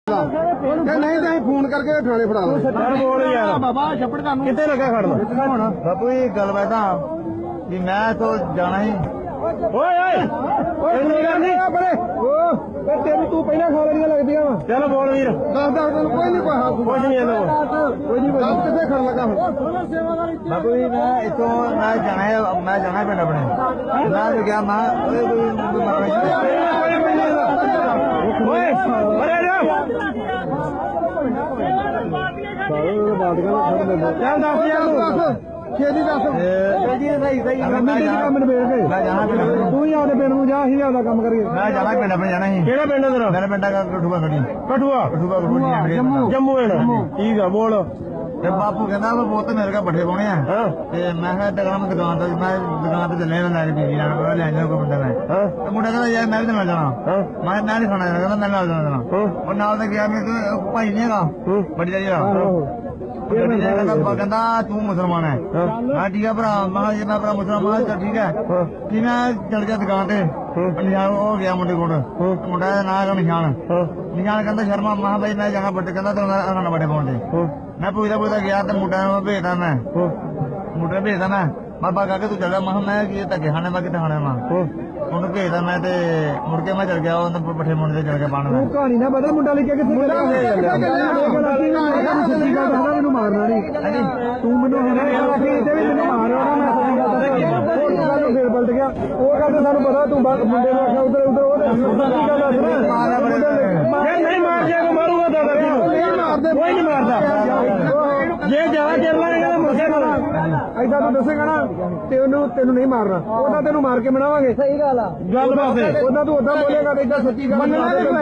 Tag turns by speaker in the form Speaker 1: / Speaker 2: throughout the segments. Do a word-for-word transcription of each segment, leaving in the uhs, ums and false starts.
Speaker 1: नहीं तो फोन करके थाने फड़ा बोल यार बाबा छप्पड़ का कितने लगा खड़ना
Speaker 2: बापू जी गल बैठा कि मैं तो जाना ही
Speaker 1: तेरी तू पहले खा लिया लगती है
Speaker 2: चलो बोल वीर
Speaker 1: दस दस दिन कोई नहीं
Speaker 2: कुछ नहीं है
Speaker 1: कोई नहीं कितने खड़ लगा
Speaker 2: बापू जी मैं इतो मैं जाना है मैं जाना है पिंड अपने मैं तो गया मैं
Speaker 1: चल दस यार छेदी दस
Speaker 2: सही सही मैं जाना
Speaker 1: तू ही आपके पिंड जा ही आपका काम करिए
Speaker 2: मैं जाना पिंड अपने जाना ही
Speaker 1: केड़ा पिंड तेरा
Speaker 2: मेरा पिंड का कठुआ खड़ी
Speaker 1: कठुआ
Speaker 2: कठुआ
Speaker 1: जम्मू जम्मू ठीक है बोल
Speaker 2: ਤੇ ਬਾਪੂ ਕਹਿੰਦਾ ਮੈਂ ਬਹੁਤ ਮੇਰੇ ਕਾ ਬੱਠੇ ਪਾਉਣੇ ਆ ਤੇ ਮੈਂ ਕਿਹਾ ਦੁਕਾਨ ਮੈਂ ਦੁਕਾਨ ਤੋਂ ਮੈਂ ਦੁਕਾਨ ਤੇ ਚੱਲੇ ਨਾ ਲੈ ਕੇ ਬੀਜੀ ਨਾਲ ਲੈ ਜਾਣਾ ਕੋਈ ਮੁੰਡਾ ਮੈਂ ਤੇ ਮੁੰਡਾ ਕਹਿੰਦਾ ਯਾਰ ਮੈਂ ਵੀ ਨਾਲ ਜਾਣਾ ਮੈਂ ਮੈਂ ਨਹੀਂ ਖਾਣਾ ਕਹਿੰਦਾ ਮੈਂ ਨਾਲ ਜਾਣਾ ਉਹ ਨਾਲ ਤੇ ਗਿਆ ਮੈਂ ਭਾਈ ਨਹੀਂ ਹੈਗਾ ਬੜੀ ਜਿਹੜਾ ਕਹਿੰਦਾ ਤੂੰ ਮੁਸਲਮਾਨ ਹੈ ਹਾਂ ਠੀਕ ਹੈ ਭਰਾ ਮੈਂ ਜੇ ਮੈਂ ਭਰਾ ਮੁਸਲਮਾਨ ਚੱਲ ਠੀਕ ਹੈ ਕਿ ਮੈਂ ਚੜ ਗਿਆ ਦੁਕਾਨ ਤੇ ਨਿਸ਼ਾਨ ਹੋ ਗਿਆ ਮੁੰਡੇ ਕੋਲ ਮੁੰਡਾ ਦਾ ਨਾਂ ਹੈਗਾ ਨਿਸ਼ਾਨ ਨਿਸ਼ਾਨ ਕਹਿੰਦਾ ਸ਼ਰਮਾ ਮੈਂ ਭਾਈ ਮੈਂ ਜਾਣਾ ਬੱਟੇ ਕਹਿੰਦਾ ਤੂੰ ਉਹਨਾਂ ਬੱਟੇ ਪਾਉਣ ਤੇ मैं पूछता पूछता गया तो मुंडा भेजता मैं मुंडे भेजता मैं बाबा कह तू चल मैं मैं धक्के खाने मैं कितने खाने मैं उन्हें भेजता मैं ते मुड़ के मैं चल गया पट्ठे मुंडे चल गया पाने
Speaker 1: कहानी ना बदल मुंडा लेके मारना नहीं तू मैनू फिर पलट गया वो गल तो सानू पता तू मुंडे ने आखिया उधर उधर नहीं मार दिया मारूंगा दादा कोई नहीं मारता जे ज्यादा चल रहा मुझे ऐसा तू दसेगा ना तेनू तेनू नहीं मारना ओदा तेनू मार के बनावांगे सही गल गल बात ओदा तू ओदा बोलेगा तो इतना सच्ची गल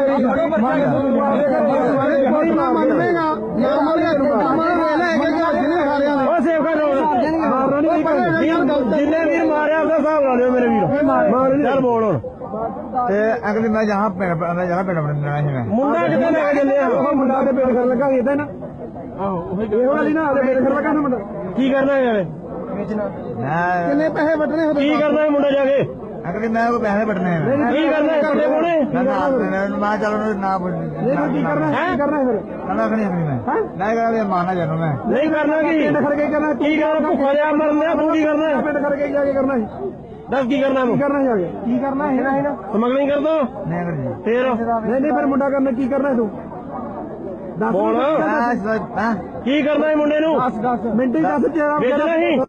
Speaker 1: मानेगा जिन्ने वीर मारिया उसका हिसाब ला लियो मेरे वीर चल बोल
Speaker 2: अगली मैं जहाँ मैं जहाँ पिंड अपने
Speaker 1: मुंडा कितने लेके चले मुंडा ते पेड़ कर लगा इधर ना ਇਹੋ ਵਾਲੀ ਨਾ ਆਲੇ ਮੇਰੇ ਘਰ ਲਗਾ ਨਾ ਮੁੰਡਾ ਕੀ ਕਰਨਾ ਹੈ ਯਾਰ ਕਿੰਨੇ ਪੈਸੇ ਵਟਣੇ ਹੋ ਕੀ ਕਰਨਾ ਹੈ ਮੁੰਡਾ ਜਾ ਕੇ
Speaker 2: ਅਗਲੀ ਮੈਂ ਉਹ ਪੈਸੇ ਵਟਣੇ ਹੈ
Speaker 1: ਕੀ ਕਰਨਾ ਹੈ ਕੱਲੇ ਕੋਣੇ
Speaker 2: ਮੈਂ ਚੱਲ ਨਾ
Speaker 1: ਨਹੀਂ ਕੀ ਕਰਨਾ ਹੈ ਕੀ ਕਰਨਾ ਹੈ ਫਿਰ
Speaker 2: ਨਾ ਅਗਲੀ ਅਗਲੀ ਮੈਂ ਮੈਂ ਕਹਿੰਦਾ ਮਾਰਨਾ ਜਾਨੂ ਮੈਂ
Speaker 1: ਨਹੀਂ ਕਰਨਾ ਕੀ ਪਿੰਡ ਖੜ ਕੇ ਕਰਨਾ ਕੀ ਕਰਨਾ ਭੁੱਖਾ ਜਾ ਮਰਨਾ ਤੂੰ ਕੀ ਕਰਨਾ ਹੈ ਪਿੰਡ ਖੜ ਕੇ ਜਾ ਕੇ ਕਰਨਾ ਹੈ ਦੱਸ ਕੀ ਕਰਨਾ ਕੀ ਕਰਨਾ ਜਾ ਕੇ ਕੀ ਕਰਨਾ ਹੈ ਨਾ ਸਮਗਲਿੰਗ ਕਰ ਦੋ
Speaker 2: ਨਹੀਂ ਅਗਲੀ
Speaker 1: ਫੇਰ ਨਹੀਂ ਨਹੀਂ ਫਿਰ ਮੁੰਡਾ ਕਰਨਾ ਕੀ ਕਰਨਾ ਤੂੰ ਬੋਲ ਕੀ ਕਰਨਾ ਹੈ ਮੁੰਡੇ ਨੂੰ ਮਿੰਟ ਹੀ ਦੱਸ ਤੇਰਾ ਵੇਚਣਾ ਹੀ